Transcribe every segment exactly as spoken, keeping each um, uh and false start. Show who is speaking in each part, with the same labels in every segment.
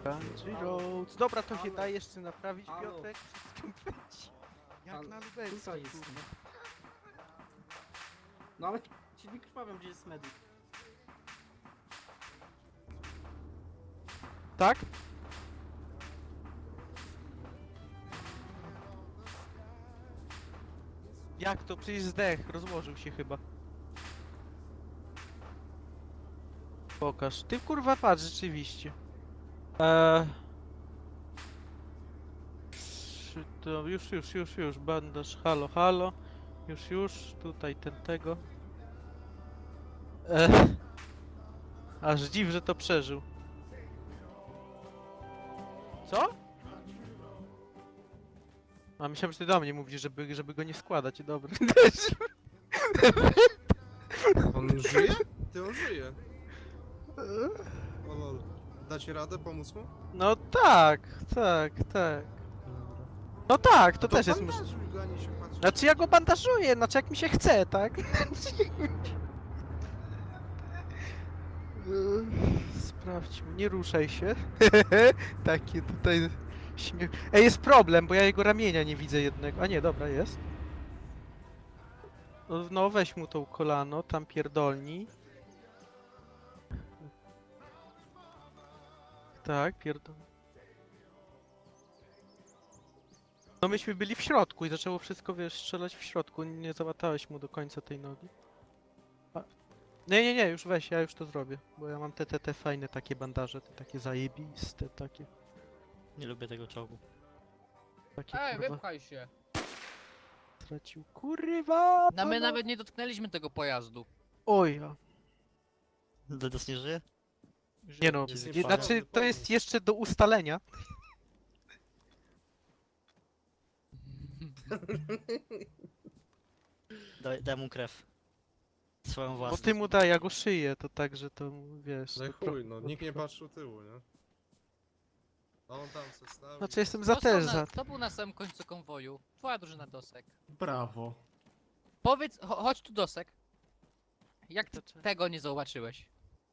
Speaker 1: Country Roads. Dobra, to się
Speaker 2: Ale-
Speaker 1: da jeszcze naprawić,
Speaker 2: Halo.
Speaker 1: Piotrek. Wszystko będzie jak
Speaker 2: Ale
Speaker 1: na lubelskim,
Speaker 2: tutaj jest.
Speaker 1: kurwa.
Speaker 2: No ale ci nie krwawiam, gdzie jest medyk.
Speaker 1: Tak? Jak to? Przecież zdech, rozłożył się chyba. Pokaż. Ty kurwa patrz, rzeczywiście. Eee... Czy to już, już, już, już, bandaż, halo, halo. Już, już, tutaj ten tego. Eee... Aż dziw, że to przeżył. Co? A myślałem, że ty do mnie mówisz, żeby, żeby go nie składać, dobra.
Speaker 3: On żyje? Ty on żyje. O lol. Dacie radę pomóc mu?
Speaker 1: No tak, tak, tak. No tak, to,
Speaker 3: No
Speaker 1: też jest możliwe.
Speaker 3: bandażuj go, a nie się patrzy.
Speaker 1: Znaczy ja go bandażuję, znaczy jak mi się chce, tak? Sprawdźmy, nie ruszaj się. Takie tutaj śmiech. Ej, jest problem, bo ja jego ramienia nie widzę jednego. A nie, dobra, jest. No, no weź mu tą kolano, tam pierdolni. Tak, pierdol. No myśmy byli w środku i zaczęło wszystko, wiesz, strzelać w środku. Nie załatałeś mu do końca tej nogi. A... Nie, nie, nie, już weź, ja już to zrobię. Bo ja mam te, te, te fajne takie bandaże, te takie zajebiste, takie,
Speaker 4: Nie lubię tego czołgu.
Speaker 1: takie
Speaker 5: Ej,
Speaker 1: kurwa.
Speaker 5: wypchaj się.
Speaker 1: Stracił, kurwa!
Speaker 5: No my
Speaker 1: pana-
Speaker 5: nawet nie dotknęliśmy tego pojazdu.
Speaker 1: Oj, ja.
Speaker 4: Dedos nie żyje?
Speaker 1: Nie no,
Speaker 3: Jest
Speaker 1: nie,
Speaker 3: nieprawda.
Speaker 1: znaczy to jest jeszcze do ustalenia.
Speaker 4: Daj, daj mu krew. Swoją
Speaker 1: Bo
Speaker 4: własną.
Speaker 1: ty mu daj, ja go szyję, to tak, że to wiesz.
Speaker 3: No i
Speaker 1: to pro-
Speaker 3: chuj, no nikt nie patrzył tyłu, nie? A on tam se stał.
Speaker 1: Znaczy jestem za
Speaker 5: Kto
Speaker 1: też
Speaker 5: są
Speaker 1: za.
Speaker 5: na, kto był na samym końcu konwoju? Twoja drużyna Dosek.
Speaker 2: Brawo.
Speaker 5: Powiedz, cho chodź tu Dosek. Jak ty
Speaker 1: To czy-
Speaker 5: tego nie zauwaczyłeś?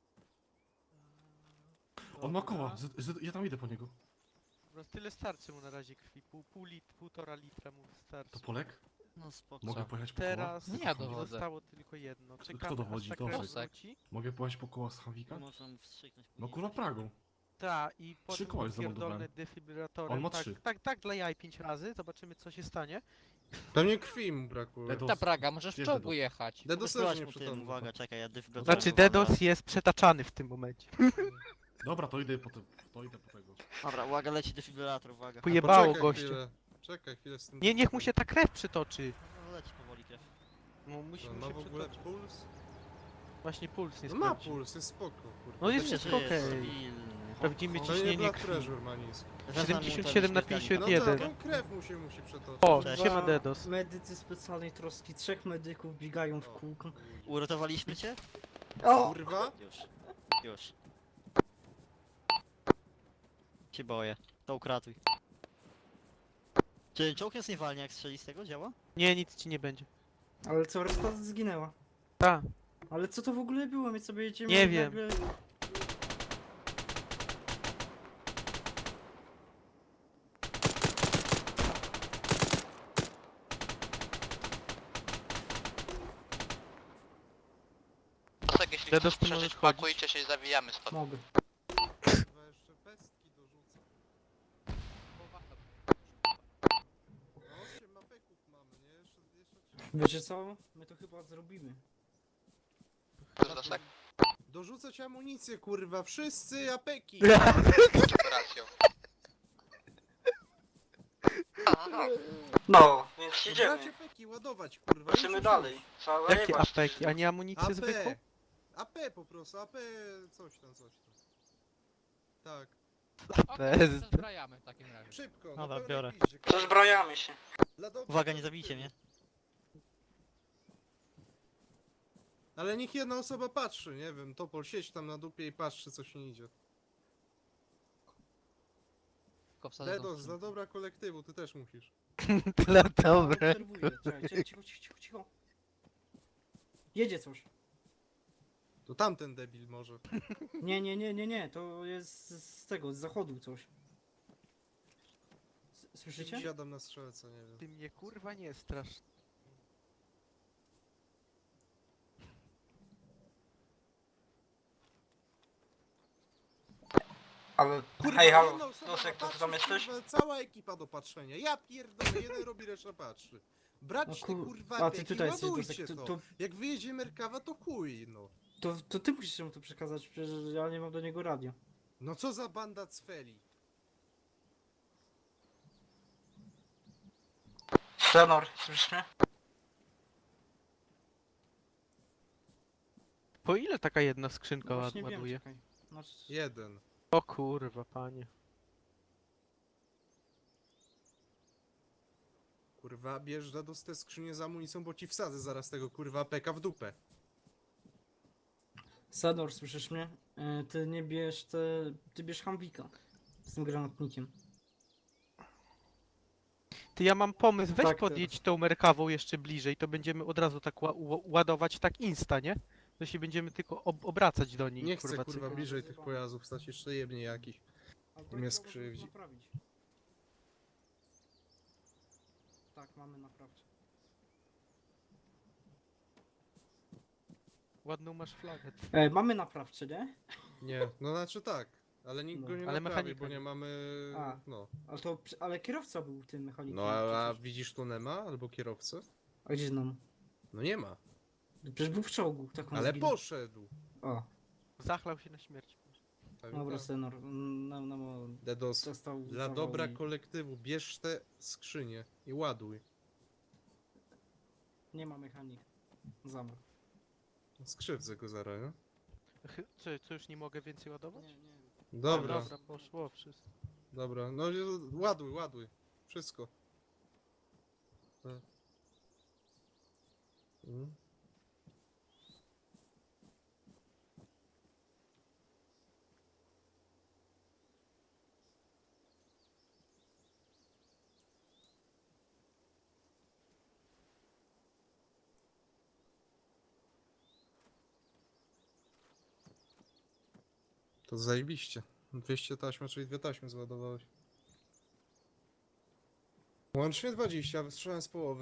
Speaker 6: On ma koła, z, z, ja tam idę po niego.
Speaker 1: Dobra, tyle starczy mu na razie krwi, pół, pół lit, półtora litra mu wystarczy.
Speaker 6: To Polek?
Speaker 4: No spoko.
Speaker 6: Mogę
Speaker 5: Co?
Speaker 6: pojechać po
Speaker 1: Teraz
Speaker 5: Nie, ja
Speaker 6: koła?
Speaker 5: dowodzę.
Speaker 1: zostało tylko jedno. Czekamy,
Speaker 6: Kto dowodzi?
Speaker 1: aż ta
Speaker 6: Dosek.
Speaker 1: krew wróci.
Speaker 6: Mogę pojechać po koła z Hamwika?
Speaker 4: Można mu wstrzyknąć
Speaker 6: No
Speaker 4: później.
Speaker 6: kurwa Pragą.
Speaker 1: Ta i
Speaker 6: Trzy
Speaker 1: potem
Speaker 6: koła już
Speaker 1: pierdolne
Speaker 6: zameldowałem.
Speaker 1: defibrylatorem.
Speaker 6: On ma
Speaker 1: tak,
Speaker 6: trzy.
Speaker 1: tak, tak dla jaj pięć razy, zobaczymy co się stanie.
Speaker 3: Pewnie krwi mu brakuje.
Speaker 6: Dedos.
Speaker 5: Ta Praga, możesz w
Speaker 6: Gdzie
Speaker 5: czołgu
Speaker 6: Dedos?
Speaker 5: jechać.
Speaker 3: Dedos
Speaker 4: Wysyłać
Speaker 3: też nie
Speaker 4: mu tym,
Speaker 3: przytomny.
Speaker 4: uwaga, czekaj, ja dyf go
Speaker 1: Znaczy DDoS jest przetaczany w tym momencie.
Speaker 6: Dobra, to idę po, te, to idę po tego.
Speaker 4: Dobra, uwaga, leci defibrylator, uwaga.
Speaker 1: Pojebało
Speaker 3: Poczekaj
Speaker 1: gościa.
Speaker 3: chwilę. Czekaj chwilę z tym.
Speaker 1: Nie, niech mu się ta krew przytoczy.
Speaker 4: No, leci powoli krew.
Speaker 1: No musi
Speaker 3: No,
Speaker 1: mu
Speaker 3: ma
Speaker 1: się
Speaker 3: w ogóle
Speaker 1: przytoczyć.
Speaker 3: puls?
Speaker 1: Właśnie puls nie
Speaker 3: No ma
Speaker 1: sprawdzi.
Speaker 3: puls, jest spoko, kurwa.
Speaker 1: No jest
Speaker 4: Nie
Speaker 1: wszystko
Speaker 4: żyje,
Speaker 1: okej.
Speaker 4: stabilny.
Speaker 1: Sprawdzimy
Speaker 3: To nie
Speaker 1: ciśnienie
Speaker 3: blood
Speaker 1: krwi.
Speaker 3: pressure ma nisko.
Speaker 1: siedemdziesiąt siedem na pięćdziesiąt
Speaker 3: No
Speaker 1: jeden.
Speaker 3: tak, tą krew mu się musi przetoczyć.
Speaker 1: O,
Speaker 4: Cześć.
Speaker 1: siema DDoS.
Speaker 2: Medycy specjalnej troski, trzech medyków biegają w kółko.
Speaker 4: Uratowaliśmy cię?
Speaker 2: O!
Speaker 3: Kurwa?
Speaker 4: Już. Już. Się boję. To ukratuj. Czy czołg jest niewalnie jak strzeli z tego? Działa?
Speaker 1: Nie, nic ci nie będzie.
Speaker 2: Ale co, reszta zginęła.
Speaker 1: Ta.
Speaker 2: Ale co to w ogóle było? My sobie jedziemy
Speaker 1: Nie
Speaker 2: i
Speaker 1: wiem.
Speaker 2: nagle...
Speaker 7: Dosek, jeśli
Speaker 1: Dedos,
Speaker 7: chcesz
Speaker 1: ty możesz
Speaker 7: przeżyć,
Speaker 1: chodzić.
Speaker 7: pakujcie się i zawijamy stąd.
Speaker 2: Mogę.
Speaker 3: Kurwa, jeszcze pestki dorzucę. No, osiem mapeków mamy, nie? Jeszcze, jeszcze trzy.
Speaker 2: Wiecie co? My to chyba zrobimy.
Speaker 7: Chcesz Dosek?
Speaker 3: Dorzucać amunicję, kurwa, wszyscy apeki!
Speaker 7: Operacją.
Speaker 2: No, więc
Speaker 3: Brać apeki, ładować, kurwa.
Speaker 2: Lecimy
Speaker 3: już,
Speaker 2: dalej.
Speaker 3: już.
Speaker 2: Trzeba
Speaker 1: Jakie
Speaker 2: jebać.
Speaker 1: apeki? A nie amunicję zwykłą?
Speaker 3: A P! A P po prostu, A P coś tam, coś tam. Tak,
Speaker 5: Okej,
Speaker 1: Bez-
Speaker 5: zbrajamy w takim razie.
Speaker 3: szybko, no
Speaker 4: Dobra,
Speaker 3: pełnej
Speaker 4: biorę.
Speaker 3: piździe, kurwa.
Speaker 2: Przezbrajamy się.
Speaker 3: Dla dobra
Speaker 4: Uwaga, nie
Speaker 3: kolektywu.
Speaker 4: zabijcie mnie.
Speaker 3: Ale niech jedna osoba patrzy, nie wiem, Topol siedź tam na dupie i patrzy co się idzie.
Speaker 5: Tylko wsadzę tą
Speaker 3: Dedos, dla
Speaker 5: skrzynkę.
Speaker 3: dobra kolektywu, ty też musisz.
Speaker 1: Dla dobre.
Speaker 2: Obserwuję. Czekaj, czekaj, cicho, cicho, cicho. Jedzie coś.
Speaker 3: To tamten debil może.
Speaker 2: Nie, nie, nie, nie, nie, to jest z tego, z zachodu coś. S- Słyszycie?
Speaker 3: Siadam na strzelca, nie wiem.
Speaker 1: Ty mnie kurwa nie strasz.
Speaker 2: Ale...
Speaker 3: Kurwa,
Speaker 2: Hej, halo,
Speaker 3: jedną osobą
Speaker 2: Dosek, to ty
Speaker 3: patrzy,
Speaker 2: tam jesteś?
Speaker 3: Kurwa, cała ekipa do patrzenia. Ja pierdolę, jeden robi, reszta patrzy. Brać
Speaker 2: No
Speaker 3: te
Speaker 2: kur-
Speaker 3: kurwa
Speaker 2: a ty
Speaker 3: peki,
Speaker 2: tutaj jesteś,
Speaker 3: ładujcie
Speaker 2: Dosek,
Speaker 3: to.
Speaker 2: to- to-
Speaker 3: Jak wyjedzie Merkawa, to chuj, no.
Speaker 2: To, to ty musisz mu to przekazać, przecież ja nie mam do niego radia.
Speaker 3: No co za banda cfeli.
Speaker 2: Senor, słyszysz mnie?
Speaker 1: Po ile taka jedna skrzynka ład-
Speaker 2: Właśnie wiem,
Speaker 1: ładuje?
Speaker 2: czekaj. Znaczy...
Speaker 3: Jeden.
Speaker 1: O kurwa, panie.
Speaker 3: Kurwa, bierz do te skrzynie z amunicją, bo ci wsadzę zaraz tego kurwa peka w dupę.
Speaker 2: Senor, słyszysz mnie? E, Ty nie bierz te... Ty bierz Hambika. Z tym granatnikiem.
Speaker 1: Ty, ja mam pomysł, weź
Speaker 2: Tak,
Speaker 1: podjedź tą Merkawą jeszcze bliżej, to będziemy od razu tak ła ła- ładować tak insta, nie? To się będziemy tylko ob obracać do niej,
Speaker 3: Nie chcę
Speaker 1: kurwa.
Speaker 3: kurwa
Speaker 1: cyk.
Speaker 3: bliżej tych pojazdów stać, jeszcze jebnie jakiś.
Speaker 2: Ale
Speaker 3: Mnie
Speaker 2: to jest
Speaker 3: skrzywdzi.
Speaker 2: naprawić. Tak, mamy naprawcie.
Speaker 1: Ładną masz flagę.
Speaker 2: E, mamy naprawcze, nie?
Speaker 3: Nie, no znaczy tak. Ale nikt
Speaker 2: No.
Speaker 3: go nie
Speaker 1: Ale
Speaker 3: naprawi,
Speaker 1: mechanika
Speaker 3: bo nie
Speaker 1: nie.
Speaker 3: mamy...
Speaker 2: A.
Speaker 3: No.
Speaker 2: Ale to... Ale kierowca był tym mechanikiem.
Speaker 3: No a, a
Speaker 2: przecież.
Speaker 3: widzisz tu Nema albo kierowcę?
Speaker 2: A gdzie nam?
Speaker 3: No nie ma.
Speaker 2: Przecież był w czołgu, tak on
Speaker 3: Ale
Speaker 2: zginął.
Speaker 3: poszedł.
Speaker 2: O,
Speaker 1: Zachlał się na śmierć.
Speaker 3: Tak,
Speaker 2: dobra,
Speaker 3: tak.
Speaker 2: Senor. Nam, nam,
Speaker 3: Dedos.
Speaker 2: dostał
Speaker 3: Dla
Speaker 2: zawał
Speaker 3: dobra
Speaker 2: i-
Speaker 3: kolektywu, bierz te skrzynie i ładuj.
Speaker 2: Nie ma mechanik. Zamrł.
Speaker 3: Skrzywdzę go zaraz, nie?
Speaker 1: Chy- Co, co już nie mogę więcej ładować?
Speaker 2: Nie, nie.
Speaker 3: Dobra,
Speaker 1: A, dobra, poszło wszystko.
Speaker 3: dobra. No i ładuj, ładuj. Wszystko. Tak. Mm. To zajebiście. dwieście taśm, czyli dwie taśmy zładowałeś. Łącznie dwadzieścia, wystrzałem z połowy.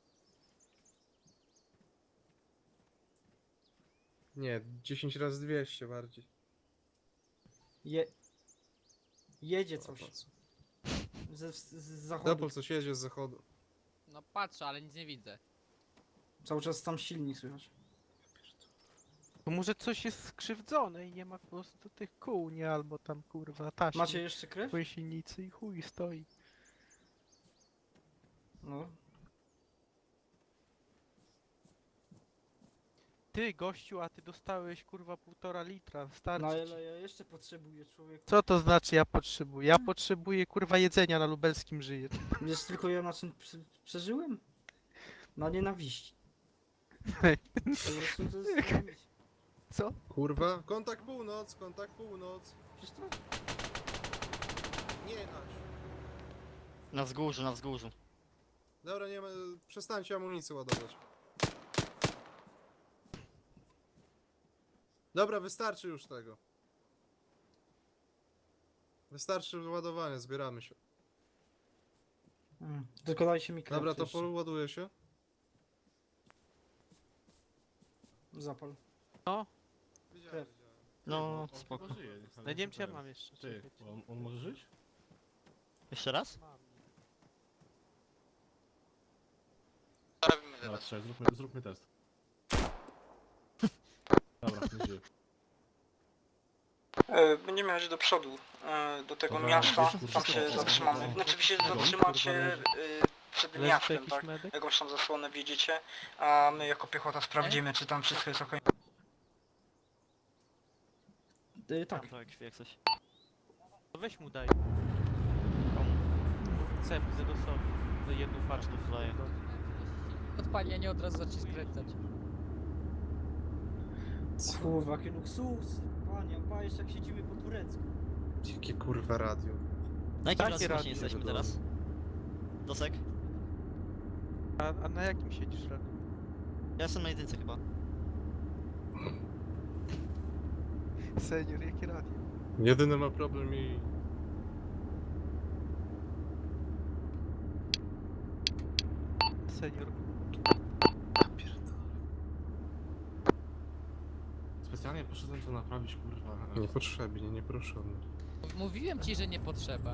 Speaker 3: Nie, dziesięć razy dwieście bardziej.
Speaker 2: Je... Jedzie
Speaker 3: O,
Speaker 2: coś.
Speaker 3: patrz.
Speaker 2: Ze, z, z zachodu.
Speaker 3: Dopol coś jedzie z zachodu.
Speaker 5: No patrzę, ale nic nie widzę.
Speaker 2: Cały czas tam silnik słychać.
Speaker 1: To może coś jest skrzywdzone i nie ma po prostu tych kół, nie? Albo tam kurwa taśmy.
Speaker 2: Macie jeszcze krew?
Speaker 1: w silnicy i chuj stoi.
Speaker 2: No.
Speaker 1: Ty gościu, a ty dostałeś kurwa półtora litra, starczy
Speaker 2: No
Speaker 1: ci.
Speaker 2: ale ja jeszcze potrzebuję człowieku.
Speaker 1: Co to znaczy ja potrzebuję? Ja potrzebuję kurwa jedzenia na lubelskim żyję.
Speaker 2: Wiesz tylko ja na czym prze- przeżyłem? Na nienawiści.
Speaker 1: Hej.
Speaker 2: Po prostu to jest nienawiść.
Speaker 1: Co?
Speaker 3: Kurwa, kontakt północ, kontakt północ.
Speaker 2: Przecież to...
Speaker 3: Nie nać.
Speaker 4: Na wzgórzu, na wzgórzu.
Speaker 3: Dobra, nie ma, przestańcie amunicję ładować. Dobra, wystarczy już tego. Wystarczy ładowanie, zbieramy się.
Speaker 2: Mm. Tylko dajcie mi krew
Speaker 3: Dobra, to
Speaker 2: jeszcze.
Speaker 3: poładuje się.
Speaker 2: Zapal.
Speaker 1: No,
Speaker 3: Wiedziałem,
Speaker 2: Krew.
Speaker 3: wiedziałem.
Speaker 4: No,
Speaker 6: On
Speaker 4: spoko.
Speaker 6: chyba żyje, ale
Speaker 1: no nie wiem czy ja
Speaker 6: ten.
Speaker 1: mam jeszcze.
Speaker 6: Ty,
Speaker 1: czekajcie.
Speaker 6: on, on może żyć?
Speaker 4: Jeszcze raz?
Speaker 1: Mam.
Speaker 7: Co robimy
Speaker 6: Dobra,
Speaker 7: teraz?
Speaker 6: trzeba, zróbmy, zróbmy test. Dobra, nie żyje.
Speaker 2: E, będziemy jechać do przodu, e, do tego
Speaker 6: Dobra,
Speaker 2: miasta,
Speaker 6: gdzieś, kurwa,
Speaker 2: tam się
Speaker 6: to-
Speaker 2: zatrzymamy.
Speaker 6: to-
Speaker 2: Znaczy wy się
Speaker 6: to-
Speaker 2: zatrzymacie
Speaker 1: kurwa,
Speaker 2: e, przed
Speaker 1: Leży tu
Speaker 2: miastem,
Speaker 1: jakiś
Speaker 2: tak?
Speaker 1: medyk?
Speaker 2: Jakąś tam zasłonę widzicie, a my jako piechota sprawdzimy, czy tam wszystko jest ok. E, tak.
Speaker 4: Tam trochę krwi jak coś.
Speaker 1: To weź mu daj.
Speaker 4: Komu?
Speaker 1: Chcę Zedosowi. Do jedną paczkę.
Speaker 4: Daję.
Speaker 5: Odpali, a nie od razu zacznie skręcać.
Speaker 2: Kurwa, jakie luksusy. Panie, panie, jak siedzimy po turecku.
Speaker 3: Jakie kurwa radio.
Speaker 4: Na jakim
Speaker 1: Takie
Speaker 4: razie
Speaker 1: radio
Speaker 4: właśnie jesteśmy
Speaker 3: wiadomo.
Speaker 4: teraz? Dosek?
Speaker 1: A, a na jakim siedzisz, Radu?
Speaker 4: Ja jestem na jedynce chyba.
Speaker 1: Senior, jakie radio?
Speaker 3: Jedyny ma problem i...
Speaker 1: Senior.
Speaker 6: Specjalnie poszedłem to naprawić, kurwa.
Speaker 3: Niepotrzebnie, nieproszony.
Speaker 5: Mówiłem ci, że nie potrzeba.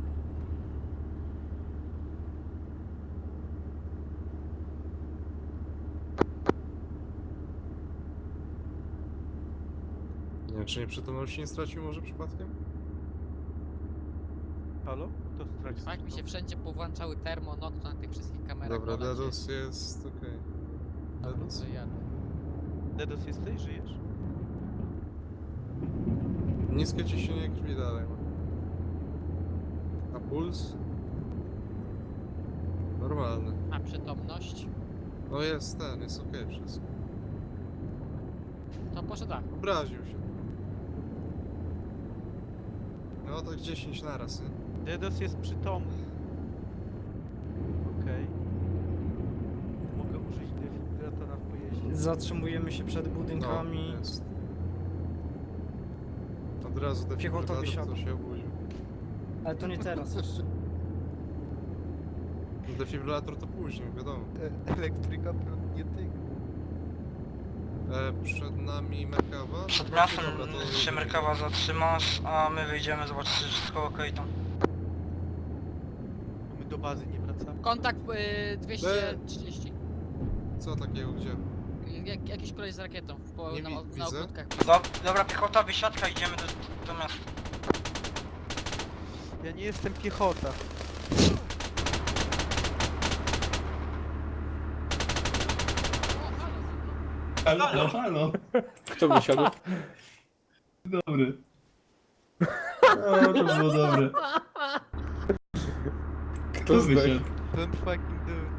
Speaker 3: Nie wiem, czy nieprzytomności nie stracił może przypadkiem?
Speaker 1: Halo? To stracił.
Speaker 5: Tak mi się wszędzie powłączały termo, nocno na tych wszystkich kamerach.
Speaker 3: Dobra,
Speaker 5: Ola,
Speaker 3: Dedos jest okej.
Speaker 5: Dobra,
Speaker 3: Dedos?
Speaker 5: to jadę.
Speaker 1: Dedos jesteś? Żyjesz?
Speaker 3: Niskie ciśnienie krwi dalej ma. A puls? Normalny.
Speaker 5: A przytomność?
Speaker 3: No jest ten, jest okej wszystko.
Speaker 5: To poszedł tak.
Speaker 3: Obraził się. No tak dziesięć naraz, nie?
Speaker 1: Dedos jest przytomny. Okej. Mogę użyć defibrylatora w pojeździe.
Speaker 2: Zatrzymujemy się przed budynkami.
Speaker 3: No, jest. Od razu
Speaker 2: Piechota
Speaker 3: defibrylator,
Speaker 2: wysiadła.
Speaker 3: to się obudził.
Speaker 2: Ale to nie teraz jeszcze.
Speaker 3: Defibrylator to później, wiadomo.
Speaker 1: E, elektryka prąd nie tyka.
Speaker 3: E, przed nami Merkawa.
Speaker 7: Przed
Speaker 3: No,
Speaker 7: miastem
Speaker 3: dobra, to-
Speaker 7: się Merkawa zatrzymasz, a my wyjdziemy zobaczyć, czy wszystko okej tam.
Speaker 1: My do bazy nie wracamy.
Speaker 5: Kontakt y, dwieście trzydzieści.
Speaker 3: Co takiego, gdzie?
Speaker 5: Jak, jakiś koleś z rakietą w po,
Speaker 3: Nie
Speaker 5: na,
Speaker 3: wi-
Speaker 5: na
Speaker 3: widzę.
Speaker 5: ogródkach.
Speaker 7: Do, dobra, piechota, wysiadka, idziemy do, do miasta.
Speaker 1: Ja nie jestem piechota.
Speaker 8: Halo, halo, halo.
Speaker 9: Kto wysiadł?
Speaker 8: Dobry. O, to było dobre. Kto wysiadł?
Speaker 1: Don't fucking do it.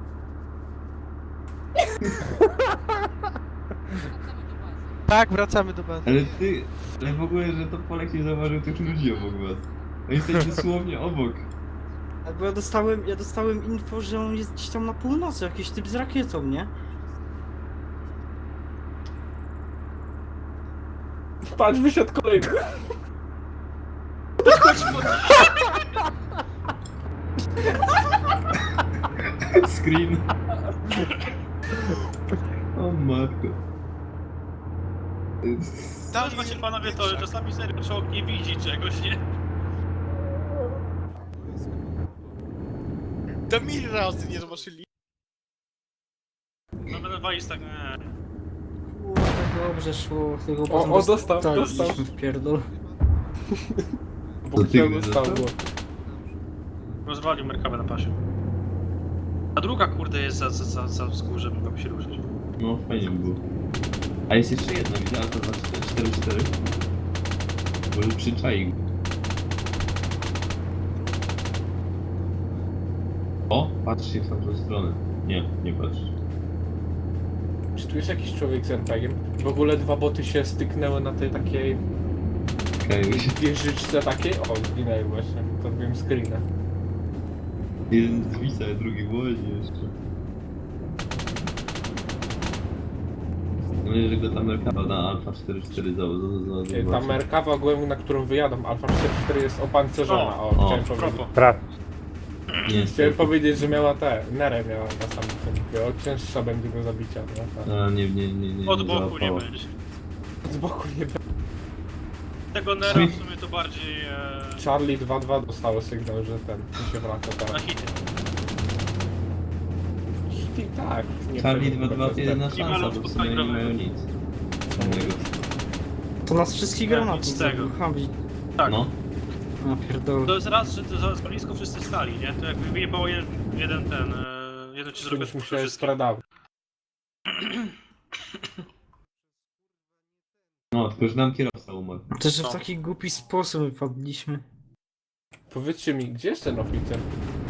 Speaker 1: Tak, wracamy do bazy.
Speaker 8: Ale ty, ale w ogóle, że to Polek nie zauważył tych ludzi obok was. Oni jesteś dosłownie obok.
Speaker 2: Bo ja dostałem, ja dostałem info, że on jest gdzieś tam na północy, jakiś typ z rakietą, nie?
Speaker 9: Patrz, wysiadł kolejny.
Speaker 8: Screen. O matko.
Speaker 10: Tam właśnie panowie to, że czasami serio czołg nie widzi czegoś, nie?
Speaker 7: To mi razy nie zobaczyli.
Speaker 10: No będę walić tak, nie.
Speaker 2: Kurde, dobrze szło. Tylko
Speaker 9: O,
Speaker 2: potem
Speaker 9: o, dostał,
Speaker 2: dostaliśmy
Speaker 9: dostał.
Speaker 2: w pierdol.
Speaker 9: Bo
Speaker 8: To ty
Speaker 9: chciał
Speaker 8: mnie
Speaker 9: dostał
Speaker 8: dostał?
Speaker 9: go.
Speaker 10: Rozwalił Merkawę na pasie. A druga kurde jest za, za, za, za wzgórzem, żeby się ruszyć.
Speaker 8: No, fajnie by było. A jest jeszcze jedna, widzę, ale to dwa cztery cztery. Może przyczaił. O, patrzcie w tamtą stronę. Nie, nie patrz.
Speaker 9: Czy tu jest jakiś człowiek z M P G-iem? W ogóle dwa boty się styknęły na tej takiej
Speaker 8: Okej, się.
Speaker 9: wieżyczce takiej. O, zginęły właśnie. To robiłem screena.
Speaker 8: Jeden z Wisa, a drugi w Łodzi jeszcze. No i że go ta Merkawa na Alfa cztery cztery za, za, za,
Speaker 9: Ty, Ta Merkawa ogółem, na którą wyjadą, Alfa cztery cztery jest opancerzona. O,
Speaker 10: O,
Speaker 9: chciałem
Speaker 8: o,
Speaker 9: powiedzieć.
Speaker 10: Propos.
Speaker 8: Nie,
Speaker 9: Chciałem powiedzieć, że miała te, nerę miała na samym tym. Mówię, O, cięższa będzie do zabicia, no tak.
Speaker 8: A, nie, nie, nie, nie.
Speaker 10: Od
Speaker 8: nie
Speaker 10: boku nie
Speaker 8: załapała.
Speaker 10: będzie.
Speaker 9: Z boku nie będzie.
Speaker 10: Tego Nera w sumie to bardziej e,
Speaker 9: Charlie dwa dwa dostało sygnał, że ten mi się wraca
Speaker 10: na
Speaker 9: teraz.
Speaker 10: hity.
Speaker 9: I tak. nie
Speaker 8: Charlie
Speaker 9: powinien
Speaker 8: dwa dwa
Speaker 9: być
Speaker 8: to jedyna
Speaker 10: Nie
Speaker 8: szansa,
Speaker 10: mają
Speaker 8: bo w sumie
Speaker 10: spotkania
Speaker 8: nie mają
Speaker 10: grane.
Speaker 8: nic. Innego.
Speaker 2: To nas wszystkich
Speaker 10: Nie,
Speaker 2: granatów
Speaker 10: nic z tego.
Speaker 2: zabił. Hambi.
Speaker 10: Tak.
Speaker 8: No,
Speaker 2: A pierdol.
Speaker 10: To jest raz, że to za za blisko wszyscy stali, nie? To jakby wyjebało jeden, jeden ten, e, jeden ci zrobił
Speaker 9: Kiedyś mi się
Speaker 10: wszystkie.
Speaker 9: sprzedawał.
Speaker 8: no, tylko że nam kierowca umarł.
Speaker 2: To, że w
Speaker 10: No.
Speaker 2: taki głupi sposób wypadliśmy.
Speaker 9: Powiedzcie mi, gdzie jest ten oficer?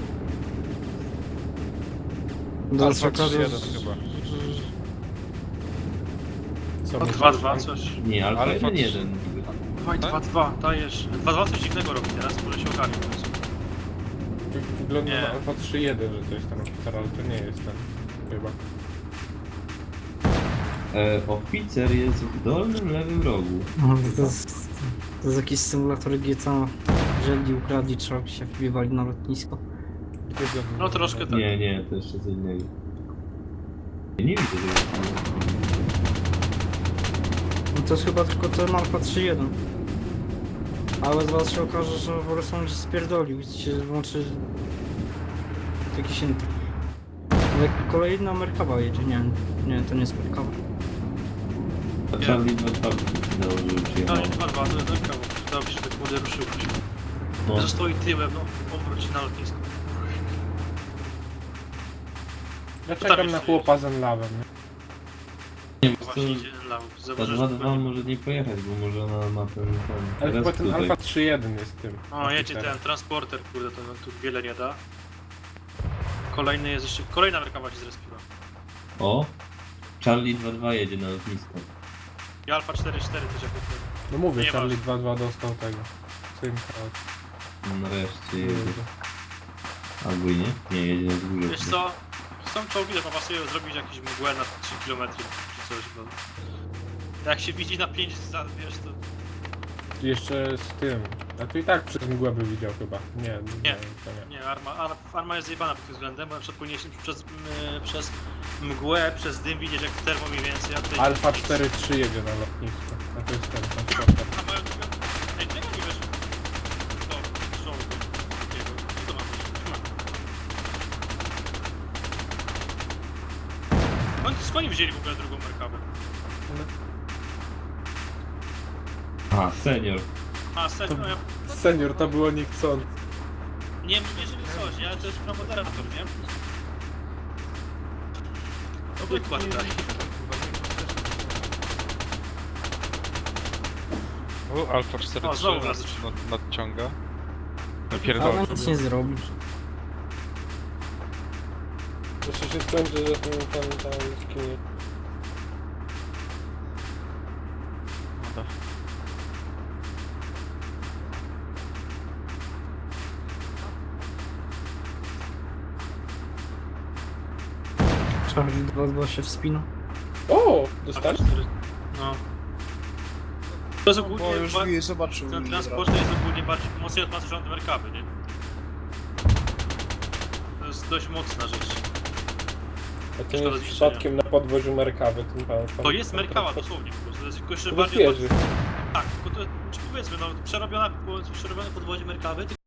Speaker 2: Do czekarzy...
Speaker 9: Co myślisz?
Speaker 10: dwa dwa coś.
Speaker 8: Nie, Alfa
Speaker 9: Ale
Speaker 8: jeden
Speaker 9: fakt-
Speaker 8: jeden.
Speaker 10: Dawaj dwa dwa, dajesz. dwa dwa coś dziwnego robi teraz, może się ogarnie w końcu.
Speaker 9: Wygląda
Speaker 10: Nie.
Speaker 9: na Alfa trzy jeden, że to jest ten oficer, ale to nie jest ten. Chyba.
Speaker 8: E, oficer jest w dolnym lewym rogu.
Speaker 2: No, to, jest, to jest jakiś symulator G T A. Jeżeli ukradli, trzeba się wbivali na lotnisko.
Speaker 9: Gdzie go-
Speaker 10: No troszkę tak.
Speaker 8: Nie, nie, to jeszcze co innego. Ja nie widzę tego.
Speaker 2: No to jest chyba tylko ten Alfa trzy jeden. Ale z was się okaże, że po prostu on się spierdolił i się włączy jakiś inny. Ale kolejna Merkawa jedzie, nie, nie, to nie jest Merkawa.
Speaker 8: A Charlie dwa dwa dało, żeby
Speaker 10: No
Speaker 8: przyjechał.
Speaker 10: i barwa, to jest kawał. Dało się tak młody ruszył.
Speaker 8: No.
Speaker 10: Że stoi tyłem, no obróć się na lotnisko.
Speaker 9: Ja
Speaker 10: tam
Speaker 9: czekam
Speaker 10: jeszcze
Speaker 9: na chłopa z Enlawem, nie?
Speaker 8: Nie wiem, co...
Speaker 10: Właśnie idzie law.
Speaker 8: Ta
Speaker 10: Zauważysz,
Speaker 8: dwa
Speaker 10: że
Speaker 8: dwa może nie pojechać, bo może ona ma ten... ten
Speaker 9: Ale chyba
Speaker 8: rest
Speaker 9: ten
Speaker 8: tutaj.
Speaker 9: Alfa trzy jeden jest tym.
Speaker 10: O, jedzie
Speaker 9: oficerem.
Speaker 10: ten transporter, kurde, to tu wiele nie da. Kolejny jest jeszcze, kolejna Merkawa się zrespiła.
Speaker 8: O! Charlie dwa dwa jedzie na lotnisko.
Speaker 10: I Alfa cztery cztery też jako ten.
Speaker 9: No mówię,
Speaker 10: Nie
Speaker 9: Charlie
Speaker 10: masz.
Speaker 9: dwa dwa dostał tego. Synka od...
Speaker 8: Nareszcie jedzie. Albo i nie? Nie, jedzie na wzgórze.
Speaker 10: Wiesz co? Są czołgi, to pasują zrobić jakieś mgłę na trzy kilometry czy coś, bo... Jak się widzi na pięć, za- wiesz to...
Speaker 9: Jeszcze z tym. A tu i tak przez mgłę by widział chyba. Nie, nie,
Speaker 10: Nie.
Speaker 9: to nie.
Speaker 10: Nie, arma, ar- arma jest zjebana pod tym względem, bo na przykład powinieneś przez, m, przez mgłę, przez dym widzieć jak termo mniej więcej, a tutaj...
Speaker 9: Alfa
Speaker 10: nic.
Speaker 9: cztery trzy jedzie na lotnisko. A to jest ten transporter.
Speaker 10: A mają tylko... Ej, czego nie wiesz? To, czołgu takiego, co ma być? Oni skąd oni wzięli w ogóle drugą Merkawę?
Speaker 8: A, senior.
Speaker 10: A, serio, no ja...
Speaker 9: Senior, to było niechcący.
Speaker 10: Nie mówię, że coś, nie? Ale to jest promoderator, nie? To wykład daj.
Speaker 11: O, Alfa cztery
Speaker 10: O,
Speaker 11: trzy
Speaker 10: znowu
Speaker 11: nad,
Speaker 10: nas-
Speaker 11: nad, nadciąga.
Speaker 2: Ale
Speaker 11: Napierdolę.
Speaker 2: nic nie zrobi.
Speaker 9: Jeszcze się skończy, że ten tam tam skinie.
Speaker 2: Charlie dwa dwa się wspina.
Speaker 9: O!
Speaker 10: A,
Speaker 9: Dostali?
Speaker 10: cztery- No. To jest ogólnie...
Speaker 7: Bo już
Speaker 10: ba-
Speaker 7: wie, zobaczył.
Speaker 10: Ten transport jest ogólnie bardziej mocniej odpatrzony od Merkawy, nie? To jest dość mocna rzecz.
Speaker 9: A to nie
Speaker 10: Szkoda
Speaker 9: jest
Speaker 10: zniszczenia.
Speaker 9: przypadkiem na podwoziu Merkawy. Tym pan, pan,
Speaker 10: To jest
Speaker 9: pan-
Speaker 10: Merkawa
Speaker 9: pan-
Speaker 10: dosłownie po prostu. To jest tylko jeszcze
Speaker 9: To
Speaker 10: bardziej...
Speaker 9: jest wieży.
Speaker 10: Tak, tylko to, czy powiedzmy, no, przerobiona, przerobione podwozie Merkawy,